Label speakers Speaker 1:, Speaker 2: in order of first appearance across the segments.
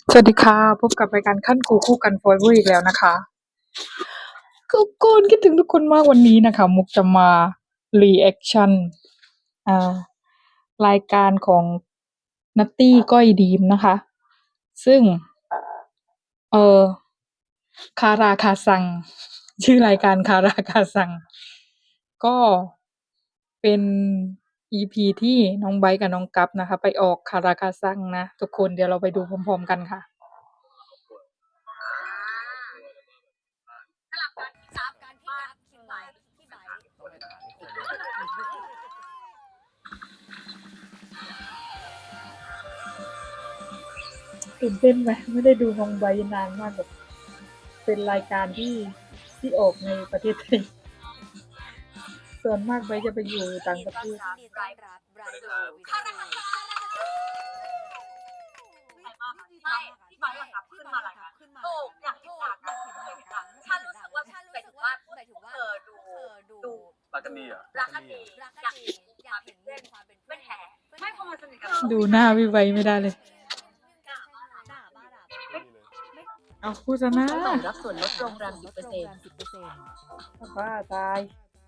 Speaker 1: สวัสดีค่ะพบกับรายการขั้นกูคู่กัน Forever อีกแล้วนะคะทุกคนคิดถึงทุกคนมากวันนี้นะคะมุกจะมา reaction อ่ารายการของนัตตี้ก้อยดีมนะคะ ซึ่งเออคาราคาซังชื่อรายการคาราคาซังก็เป็น EP ที่น้องไบร์ทกับน้องกัฟนะคะ ไปออกคาราคาซังนะทุกคนเดี๋ยวเราไปดูพร้อมๆกันค่ะตื่นเต้นไหมไม่ได้ดูน้องไบร์ทนานมากแบบเป็นรายการที่ออกในประเทศไทยส่วนมากไบร์ทจะไปอยู่ต่างประเทศ
Speaker 2: ที่ไบค์อะขึ้นมาอะไรนะถูกอยากเห็นหนังฉันรู้สึกว่าหมายถึงว่าดู
Speaker 3: รักกันดีอ่ะ
Speaker 2: รักกันดีอยากเห็นเพื่อนไม่แพ้ไม่พอมาสนิทกัน
Speaker 1: ดูหน้าพี่ไบร์ทไม่ได้เลยเอาพูดซะนะ
Speaker 2: รับส่วนลดโรงแรม 10%
Speaker 1: บ้าตาย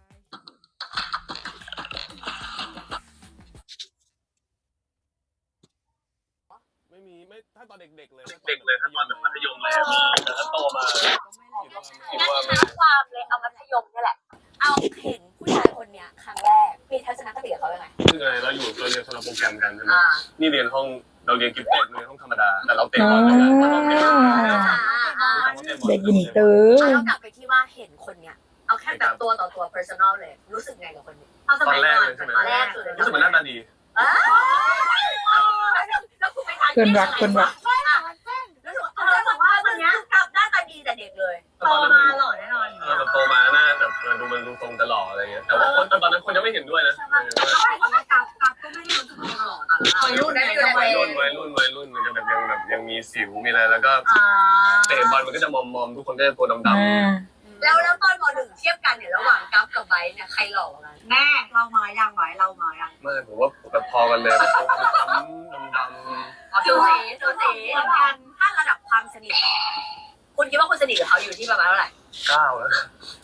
Speaker 3: ไม่ถ้าตอนเด็กๆเลย
Speaker 4: ถ้าตอนมัธยมเลยแต่ถ้าโตมาคิดว่า
Speaker 2: งั้นท้าความเลยเอามัธยมนี่แหละเอาเห็นผู้ชายคนเนี้ยครั้งแรกมีทัศนคติกับเขายังไง
Speaker 4: คือไงเราอยู่เราเรียนคนละโปรแกรมกันใช่ไหมนี่เรียนห้องเราเรียนกิฟเต็ดเรียนห้องธรรมดาแต่เราเตะบอลด้วยกัน
Speaker 1: เด็กอินเตอร์
Speaker 2: เรากลับไปที่ว่าเห็นคนเนี้ยเอาแค่แบบตัวต่อตัว personal เลยรู้สึกไงกับคนนี้
Speaker 4: ตอนแรกเลยใช่ไหม
Speaker 2: ตอนแรกสุดเลย
Speaker 4: รู้สึกมันหน้าตาดี
Speaker 2: แล้วคุณไปทาน
Speaker 1: เกินรักเกินรัก
Speaker 2: แล้วบอกว่าคนนี้กลับหน้าตาดีแต่เด็กเลยโตมาหล่อแน่นอน
Speaker 4: เราโตมาหน้าแบบมันดูทรงจะหล่ออะไรเงี้ยแต่ว่าตอนนั้นคนยังไม่เห็นด้วยนะ
Speaker 2: กลับก็ไม่ได้รู้สึกหล่อตอนนั้นวัยรุ่น
Speaker 4: มันจะแบบยังมีสิวมีอะไรแล้วก็เตะบอลมันก็จะมอมทุกคนก็จะตัวดำๆ
Speaker 2: แล้วตอนม.1เทียบกันเนี่ยระหว่างกัฟกับไบร์ทเนี่ยใครหล่อกันแม่เรามายัง
Speaker 4: ไม่ผมว่าแบบพอกันเลยช้ำดำ
Speaker 2: สูสีถ้าระดับความสนิทคุณคิดว่าคุณสนิทกับเขาอยู่ที่ประมาณเท่าไหร่
Speaker 4: 9แล้ว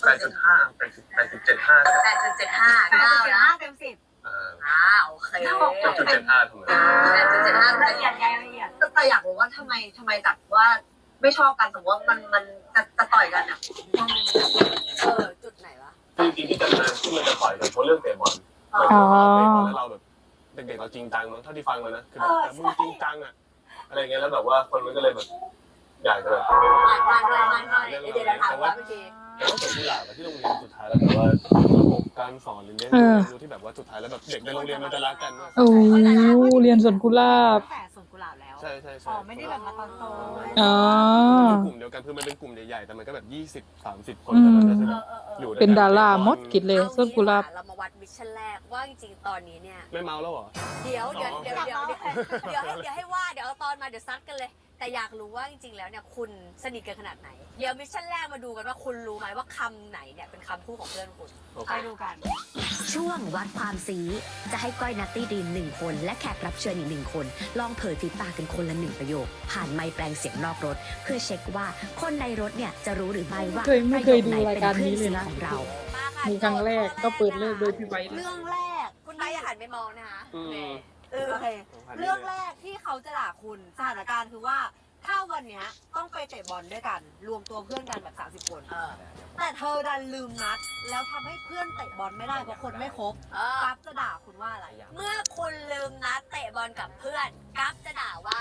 Speaker 4: 8.5 8.75
Speaker 2: 8.75 9นะเต็ม10โอเค
Speaker 4: 8.75ทำไม
Speaker 2: 8.75ละเอียดแต่อยากรู้ว่าทำไมจัดว่าไม่ชอบกันสมมติว่ามันจะต่อยกันอ่ะจุดไหนวะ
Speaker 4: จริงๆที่จะมาที่มันจะต่อยกันเพราะเรื่องเตะบอลแล้วเราแบบเด็กๆเราจริงจังมั้งเท่าที่ฟังมานะคือแบบมึงจริงจังอะอะไรเงี้ยแล้วแบบว่าคนมันก็เลยแบบอยากจะแบบ
Speaker 2: เดี๋ยวเราถามว่าเมื่อกี้
Speaker 4: แต่ว่าส่วนที่หลักที่โรงเรียนสุดท้ายแล้วแต่ว่าระบบการสอนหรือเนี้ยรู้ที่แบบว่าสุดท้ายแล้วแบบเด็กในโรงเรียนมันจะรักกัน
Speaker 1: โอ้เรียนสวนกุหลาบ
Speaker 2: แต่สวนกุหลาบแล้ว
Speaker 4: ใช่
Speaker 2: ไม่ได้แบบมาตอนโต
Speaker 4: กลุ่มเดียวกันคือมันเป็นกลุ่มใหญ่ๆแต่มันก็แบบ20-30 คนแต่มันจะอยู่
Speaker 1: เป็นดาราหมดกิจเลยสวนกุหลาบ
Speaker 2: เรามาวัดมิชชั่นแรกว่าจริงๆตอนนี้เนี่ย
Speaker 4: ไม่เมาแล้วเหรอ
Speaker 2: เดี๋ยวให้ว่าเดี๋ยวเอาตอนมาเดี๋ยวซัดกันเลยแต่อยากรู้ว่าจริงๆแล้วเนี่ยคุณสนิทกันขนาดไหนเดี๋ยวมิชชั่นแรกมาดูกันว่าคุณรู้ไหมว่าคำไหนเนี่ยเป็นคำพูดของเพื่อนคุณไปดูกัน
Speaker 5: ช่วงวัดความซีจะให้ก้อยนัตตี้ดีม1 คนและแขกรับเชิญอีก1 คนลองเผยฝีปากกันคนละ1 ประโยคผ่านไมค์แปลงเสียงนอกรถเพื่อเช็คว่าคนในรถเนี่ยจะรู้หรือไม่ว่า
Speaker 1: ไม่เคยดูรายการนี้เลยนะ
Speaker 5: ของเรา
Speaker 1: มีครั้งแรกก็เปิดเลิกโดยพี่ไบร์ท
Speaker 2: เรื่องแรกคุณไบร์ทอย่าหันไปมองนะคะโอเคเรื่องแรกที่เขาจะด่าคุณสถานการณ์คือว่าถ้าวันนี้ต้องไปเตะบอลด้วยกันรวมตัวเพื่อนกันแบบ30 คนแต่เธอดันลืมนัดแล้วทำให้เพื่อนเตะบอลไม่ได้เพราะคนไม่ครบกัฟจะด่าคุณว่าอะไรเมื่อคุณลืมนัดเตะบอลกับเพื่อนกัฟจะด่าว่า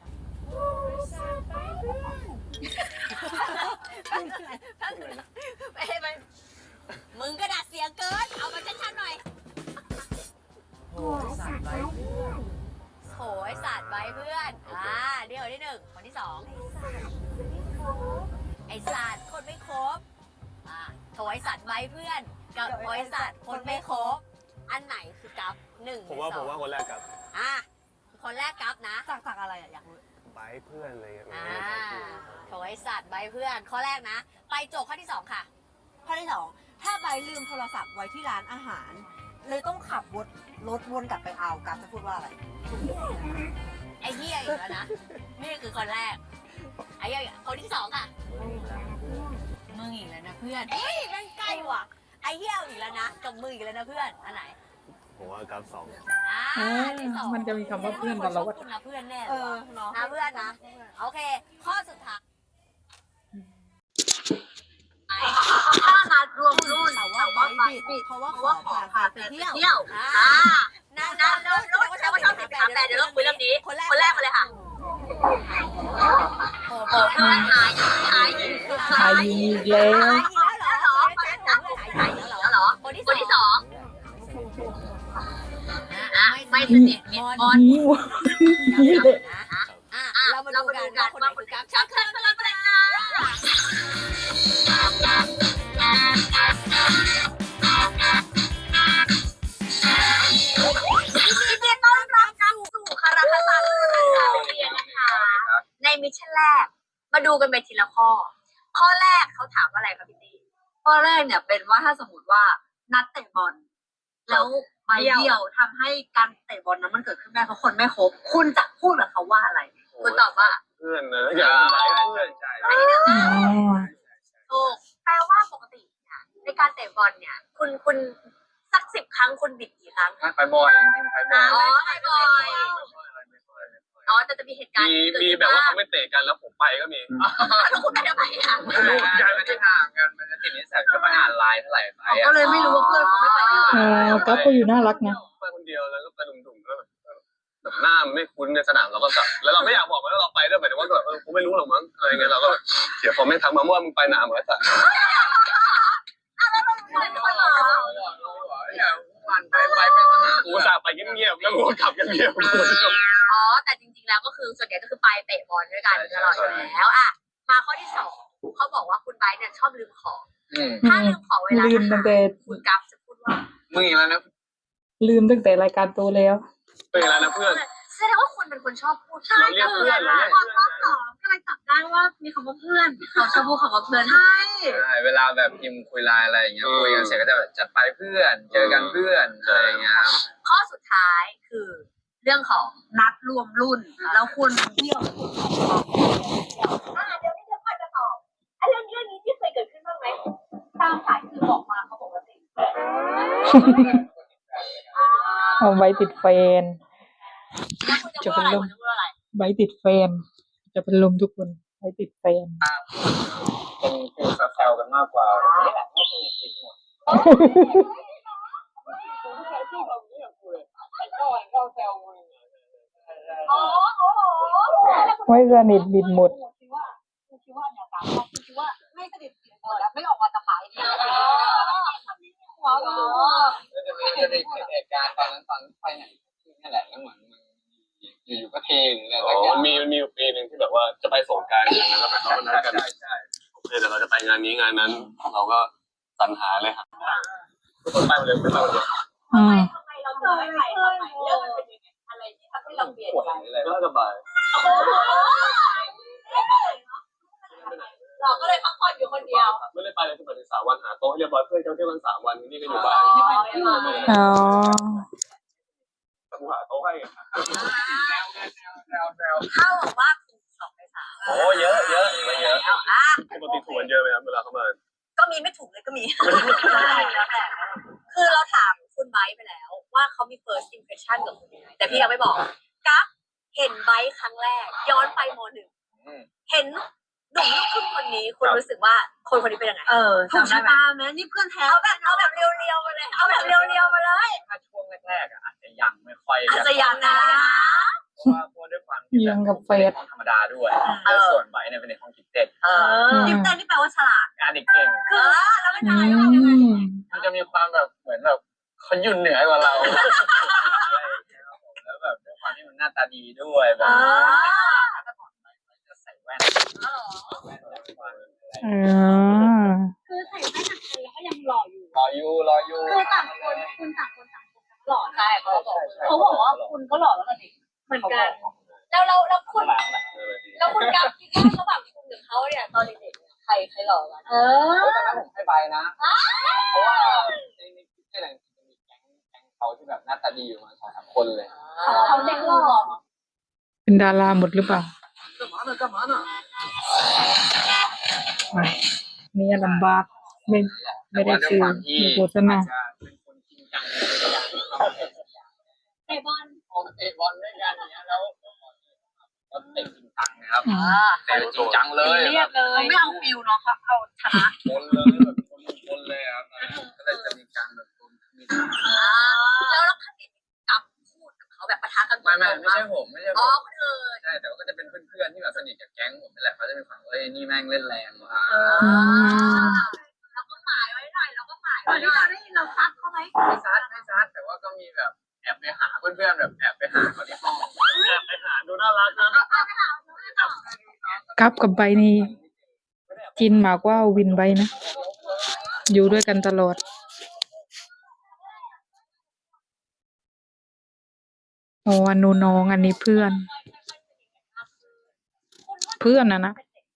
Speaker 2: มึงก็ด่าเสียเกินเอามาชัดๆหน่อยโหยสาดไว้เพื่อนเดี๋ยวที่1คนที่2ไอ้สัตว์คนไม่ครบโถยสัตว์ไว้เพื่อนกับโถยสัตว์คนไม่ครบอันไหนคือกัฟ1
Speaker 4: ผมว่าคนแรกกับ
Speaker 2: คนแรกกัฟนะจากอะไรอยากรู้
Speaker 4: ไบเพื่อนอะไรอย่างเงี้ย
Speaker 2: โถยสัตว์ไว้เพื่อนข้อแรกนะไปโจทย์ข้อที่2ค่ะข้อที่2ถ้าใบลืมโทรศัพท์ไว้ที่ร้านอาหารเลยต้องขับรถวนกลับไปเอากัฟจะพูดว่าอะไรอ้เหี้ยอีกแล้วนะ นี่คือคนแรก ไอ้เหี้ยคนที่สองอ่ะมึงอีกแล้วนะเพื่อนเฮ้ยแม่งใกล้ว่ะ ไอ้เหี้ยอีกแล้วนะ กับมึงอีกแล้วนะเพื่อน อันไหน
Speaker 4: ผมว่ากราฟ2
Speaker 2: อันที่สอง
Speaker 1: มันจะมีคำว่าเพื่อนตลอด
Speaker 2: คุณนะเพื่อนแน่
Speaker 6: เนาะ
Speaker 2: นะเพื่อนนะ โอเค ข้อสุดท้ายถ้านัดรวมรุ่นแต่ว่าไปบิดเพราะว่าขอพาไปเที่ยวนั่นแล้วก็ชอบถามแฟนเดี๋ยวเราคุยเรื่องนี้ คนแรกมาเลยค่ะโอ้โหหาย
Speaker 1: อีกแล้ว
Speaker 2: แล้วเหรอคนที่สองไม่สนิทมิดมอน
Speaker 1: นี่วะนี่เลย
Speaker 2: เรามาดูกันว่าคนไหนคือกราฟชักเคลื่อนพลังแรงงานยินดีต้อนรับสู่คาราคาซังเรียนนะคะในมิชชั่นแรกมาดูกันไปทีละข้อ ข้อแรกเขาถามว่าอะไรคะพี่ตีข้อแรกเนี่ยเป็นว่าถ้าสมมติว่านัดเตะบอลแล้วใบเดียวทำให้การเตะบอลนั้นมันเกิดขึ้นได้เพราะคนไม่ครบคุณจะพูดกับเขาว่าอะไรคุณตอบว่า
Speaker 4: เพื่อนนะอย่างเพื่อน
Speaker 1: อ๋อ
Speaker 2: ถูกแปลว่าปกติเนี่ยในการเตะบอลเนี่ยคุณสัก10 ครั้งคุณบิดกี่ครั้ง
Speaker 3: ไปบ่อยไปบ่อย
Speaker 2: อ๋อไม่บ่อยอ๋อแต่จะมีเหตุการณ์
Speaker 4: มีแบบว่าเขาไม่เตะกันแล้วผมไปก็มี
Speaker 2: แล้วคุณไม่ได้ไปอ่ะ
Speaker 3: การมันจะห่างกันมันจะติดนิสัยก็ไปอ่านไลน์เท่าไหร่ไป
Speaker 2: ก็เลยไม่รู้ว่าเพื่อนเขาไม่ไปด้วย
Speaker 1: กัฟก็อยู่น่ารักนะ
Speaker 4: ไปคนเดียวแล้วก็ไปดุ่มๆแล้วแบบหน้าไม่คุ้นในสนามเราก็กลับแล้วเราไม่อยากบอกว่าเราไปด้วยหมายถึงว่าแบบกูไม่รู้หรอกมั้งอะไรเงี้ยเราก็เดี๋ยวพอไม่ทักมาว่ามึงไปหนาเหมือนกัน
Speaker 3: วันไปสนาม
Speaker 4: กูสาไปเงียบๆแล้วกูกลับเงียบ
Speaker 2: อ๋อแต่จริงๆแล้วก็คือส่วนใหญ่ก็คือไปเตะบอลด้วยกันตลอดอยู่แล้วอ่ะมาข้อที่2เขาบอกว่าคุณไบร์ทเนี่ยชอบลืมของถ้าลืมของเวลา
Speaker 1: ลืมตั้งแต่
Speaker 2: คุณกัฟจะพูดว่า
Speaker 3: มึงอีกแล้วนะ
Speaker 1: ลืมตั้งแต่รายการโตแล้ว
Speaker 4: เป็นอะไรนะเพื่อน
Speaker 2: แสดงว่าคุณเป็นคนชอบพูด
Speaker 4: เราเรียกเพื่อนเราเรียกเพื่อน
Speaker 2: ก็เลยจับได้ว่ามีคำว่าเพื่อนเขาชอบพูดคำว่าเพื่อนใช่
Speaker 3: เวลาแบบพิมพ์คุยไลน์อะไรอย่างเงี้ยคุยกันเสร็จก็จะแบบจัดไปเพื่อนเจอกันเพื่อนอะไรอย่างเงี้ย
Speaker 2: ข้อสุดท้ายคือเรื่องของนัดรวมรุ่น แล้วคุณเที่ยวเดี๋ยวนี้จะค่อยจะตอบเรื่องนี้ที่เคยเกิดขึ้นบ้างไหมตามสายคือบอกมาเขาปกติ
Speaker 1: เอาไว้ติดแฟน
Speaker 2: แล้วคุณจะพูดอะไรคุณจะพูดอะไร
Speaker 1: ไว้ติดแฟน จะเป็นลมทุกคนไว้ติดแฟน
Speaker 3: เป็นคือแซวกันมากกว่านี่แหละไม่สนิทติดหมด
Speaker 1: ไว้สนิทบิดหมด
Speaker 2: คิดว่าเนี่ยตามเขาคิดว่าไม่สนิทแล้วไม่ออกมาจะขายดีหัวเรา
Speaker 3: จะมีเหตุการณ์ตอนนั้นตอนไปไหนนี่แหละแล้วเหมือนอยู่ก็เทหรืออะไร
Speaker 4: อ๋
Speaker 3: สักอย่าง
Speaker 4: อมีปีหนึ่งที่แบบว่าจะไปสงกรานต์อย่างนั้นแล้วแบบเรานัดกัน
Speaker 3: ใช่
Speaker 4: โอเคเดี๋ยวเราจะไปงานนี้งานนั้น เราก็สรรหาเลยครับทุกคนไปหมดเลยไปหมดเลย
Speaker 1: อืม
Speaker 2: ทำไมเราถึงไม่ไปเรื่องมันเป็นยังไงอะไรที่ทำให้เราเปลี่ยน
Speaker 3: ปวด
Speaker 2: ใจ
Speaker 3: อะไร
Speaker 4: ก็สบาย
Speaker 2: เราก็เลยพักผ่อนอยู่คนเดียว
Speaker 4: ไม่ได้ไปเลยคือไปถึง3 วันหาโต๊ะให้เรียบร้อยเพื่อนเที่ยวกัน3 วันนี่ก็อยู่บ้าน
Speaker 1: อ๋อ
Speaker 4: กูหาโต๊ะให้
Speaker 2: เข้าบอกว่าถูก2 ใน 3
Speaker 3: โอ้เยอะเยอะเยอะ
Speaker 2: แล้วอ่ะ
Speaker 4: ปกติถูกกันเยอะไหมครับเวลาเข้ามา
Speaker 2: ก็มีไม่ถูกเลยก็มีแล้วแต่คือเราถามคุณไบค์ไปแล้วว่าเขามี first impression กับคุณยังไงแต่พี่ยังไม่บอกกัฟเห็นไบค์ครั้งแรกย้อนไปม.1 เห็นหนุ่มลูกครึ่งคนนี้คุณรู้สึกว่าคนคนนี้เป็นยังไงถูกชะตาไหมนี่เพื่อนแท้เอาแบบเรียวๆมาเลยเอาแบบเรียวๆมาเลย
Speaker 3: ถ้าช่วงแรกๆอาจจะยังไม่ค่อย
Speaker 2: อาจจะยังนะ
Speaker 3: เพราะว่าด้วยความ
Speaker 1: ยังกับเฟส
Speaker 3: ธรรมดาด้วยส่วนไบเนี่ยเป็นในห้องกิฟเต็ด
Speaker 2: ดิมเต้นนี่แปลว่าฉลาด
Speaker 3: งานเด็กเก่ง
Speaker 2: คือแล้วเป็น
Speaker 1: อื
Speaker 2: อะไรเรา
Speaker 1: ม
Speaker 3: มันจะมีความแบบเหมือนแบบเขายุ่นเหนือกว่าเราแล้วแบบด้วยความที่มันหน้าตาดีด้วยแบบจะใส่แว่น
Speaker 1: อ๋อ
Speaker 6: คือใส่แว่นหนักเลยแล้วก็ยังหล่ออยู่
Speaker 3: รออยู่
Speaker 6: คือต่างคนคุณต่างคนต่างหล่อ
Speaker 2: ใช่เขาบอก
Speaker 6: เขาบอกว่าคุณก็หล่อแล้วกันดิเหมือนกัน
Speaker 2: แล้วคุณกับคิดว่าระหว่างคุณกับเขาเนี่ยตอนเด็กๆใครหล่อกัน
Speaker 6: เออ
Speaker 3: ตอนนั้นผมให้ใบนะเพราะว่าในที่ไหนจะมีแก๊งเขาที่แบบหน้าตาดีอยู่มา2-3 คนเลย
Speaker 6: เขาเด็กหล่อ
Speaker 1: เป็นดาราหมดหรือเปล่าไม่นี่ลำบากไม่ได้ซื้อมีโฆษณา
Speaker 6: เตะบอล
Speaker 3: พอเตะบอลด้วยกันอย่างเงี้ยแล้วก็เตะจริงจังนะครับ
Speaker 1: อืม
Speaker 3: เตะจริงจังเลย
Speaker 6: เรียบเลย
Speaker 2: ไม่เอาฟิลเนาะเขาเอาชนะ
Speaker 3: ชนเลยแบบชนเลยครับก็เลยจะมีการแบบมี
Speaker 2: แล้วเราคณิตกับพูดกับเขาแบบปะทะกัน
Speaker 3: ไม่ใช่ผมไม่ใช่ผ
Speaker 2: อ๋อ
Speaker 3: ม
Speaker 2: คนอื่น
Speaker 3: ใช่แต่ว่าก็จะเป็นเพื่อนๆที่แบบสนิทกับแก๊งผมนี่แหละเขาจะมีความเอ้ยนี่แม่งเล่นแรงว่ะ
Speaker 2: เราก็หมายไว้หน่อยเราก็หมายไว้หน่อยเราซักเขาไหม
Speaker 3: ไม่ซัดแต่ว่าก็มีแบบแอบไปหาเพื่อนๆแบบแอบไปหาเขาที่ห้อง
Speaker 4: แอบไปหาดูน่ารักนะ
Speaker 1: กับใบนี่จินมากกว่าวินใบนะ อยู่ด้วยกันตลอดอ๋ออันนู้นน้องอันนี้เพื่อน เพื่อนนะ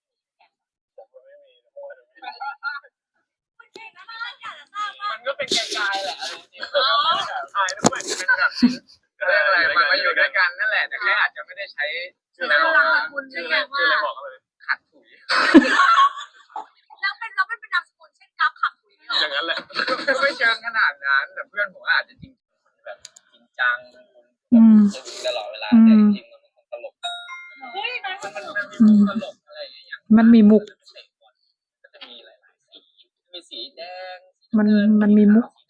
Speaker 3: มันก็เป็นไกลๆแหละจริงๆ
Speaker 4: ถ่ายด้วยเป็นแบบ
Speaker 3: เรียกอะไรมันมาอยู่ด้วยกันนั่นแหละแต่แค่อาจจะไม่ได้ใช้
Speaker 4: ชื่ออะไรบอกเลย
Speaker 3: ขัดถุย
Speaker 2: แล้วเป็นนามสกุลเช่นกับขับคุย
Speaker 4: อย่างนั้นแหละ
Speaker 3: ไม่เชิงขนาดนั้นแต่เพื่อนผมอาจจะจริงแบบจริงจัง
Speaker 1: อืม
Speaker 3: ตลอดเวลาแต่จริงๆมันตลก
Speaker 6: เฮ้ยนะ
Speaker 3: มันมีตลกอะไรอย่างเงี้ย
Speaker 1: มันมีมุก
Speaker 3: ก็จะมีหลายๆสีมีสีแดง
Speaker 1: มันมีมุก
Speaker 3: สี